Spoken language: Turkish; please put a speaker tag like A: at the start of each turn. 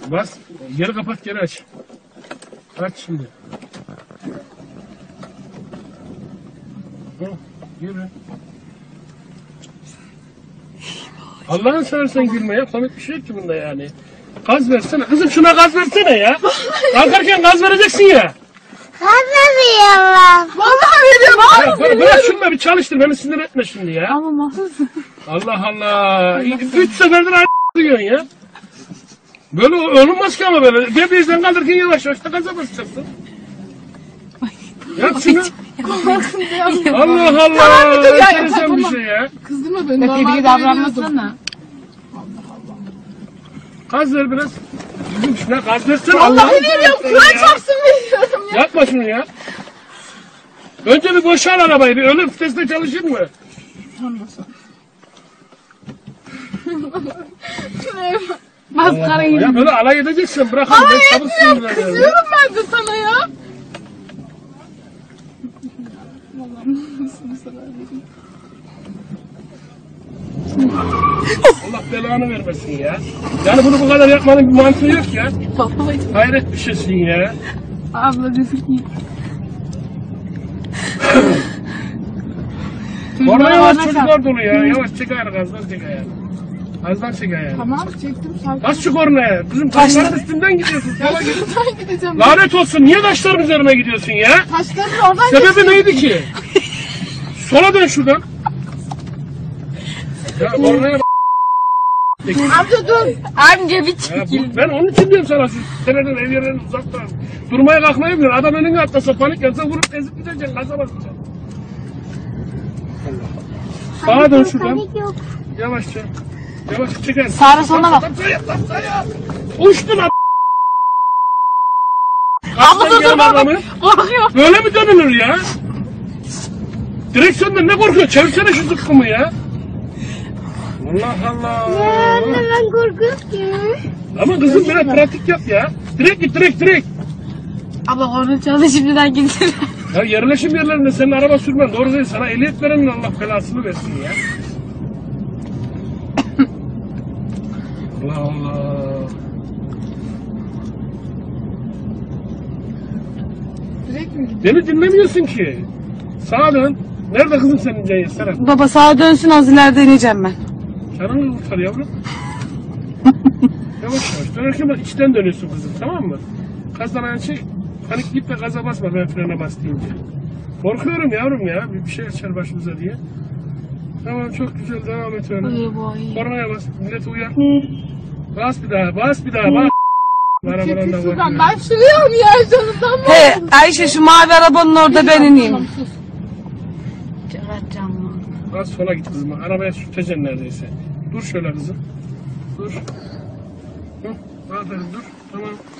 A: Bas. Geri kapat, geri aç. Aç şimdi. Hı, yürü. Allah'ın seversen gülme ya. Komik bir şey yok ki bunda yani. Gaz versene. Kızım şuna gaz versene ya. Kalkarken gaz vereceksin ya.
B: Anlamıyorum.
C: Vallahi veriyorum.
A: Bırak şunu da bir çalıştır. Beni sinir etme şimdi ya.
C: Ama mahsus.
A: Allah Allah. 3 seferdir aynı diyorsun ya. Böyle olmaz ki ama böyle. Debriyajdan kaldırırken yavaş yavaş da gaza basacaksın. Yap şunu. Allah Allah. Enteresan bir şey ya.
C: Kızdırma beni.
B: Tebrik davranmasana.
A: Gaz ver biraz. Kızım şuna gaz versene.
C: Vallahi
A: Allah'ını
C: veriyorum.
A: seversen
C: Kur'an
A: ya.
C: çarpsın veriyorum ya.
A: Yapma şunu ya. Önce bir boşal arabayı. Bir ölüm vitesle çalışır mı?
B: Maskarayı.
A: Ya böyle alay edeceksin. Bırak.
C: Ay
A: Ben sabırsızım
C: etmiyorum.
A: ben ya.
C: Kızıyorum ben de sana ya.
A: Allah belanı vermesin ya. Yani bunu bu kadar yapmanın bir mantığı yok ya.
C: Vallahi.
A: Hayret bir şeysin ya.
B: Abla gözüküyor.
A: Orada yavaş çocuklar dolu ya. Yavaş çek ayağını, gazdan çek ayağını. Gazdan çek ayağını.
C: Tamam çektim sakin.
A: Bas şu kornaya. Kızım taşların üstünden gidiyorsun. Sola git.
C: Şuradan gideceğim.
A: Lanet olsun. Niye taşların üzerine gidiyorsun ya?
C: Taşların oradan
A: Sebebi neydi ki? Sola dön şuradan. Ya kornaya bak.
C: Amca dur.
B: Amca bir
A: Ya
B: çekil.
A: ben onun için diyorum sana, şu seneden ev yerlerinin uzaktan. Durmaya kalkmayı bilmiyor. Adam önüne atlasa, panik yapsa vurup ezip gideceksin. Gaza basacaksın. Sağa dön şuradan. Yavaşça. Yavaşça çeker.
B: Sağa sola bak.
A: Uçtun lan.
B: Abla dur dur
A: adamı.
B: Korkuyor.
A: Böyle mi dönülür ya? Direksiyonda ne korkuyor? Çevirsene şu zıkkımı ya. Allah Allah.
B: Ben korkuyorum.
A: Ama kızım biraz pratik yap ya. Direkt git, direkt.
B: Abla korna çaldı şimdiden gitsin.
A: Ya yerleşim yerlerinde senin araba sürmen doğru değil. Sana ehliyet verenin Allah belasını versin ya. Allah Allah.
C: Direkt mi gidiyor?
A: Beni dinlemiyorsun ki. Sağa dön. Nerede kızım senin Ceyhan Serap?
B: Baba sağa dönsün, az ileride ineceğim ben.
A: Canını kurtar yavrum. Yavaş yavaş. Dönerken bak içten dönüyorsun kızım, tamam mı? Gazdan ayağını çek. Panik git de gaza basma ben frene bas deyince. Korkuyorum yavrum ya. Bir şey açar başımıza diye. Tamam, çok güzel, devam et öyle. Kornaya bas. Milleti uyar. Bas bir daha. Bas.
C: Çekil şuradan. Ben sürüyorum ya canımdan.
B: He Ayşe, şu mavi arabanın orada ben ineyim.
C: Tamam, sus.
A: Bas sola git kızım. Arabaya sürteceksin neredeyse. Dur şöyle kızım. Dur. Hı, aferin dur. Tamam.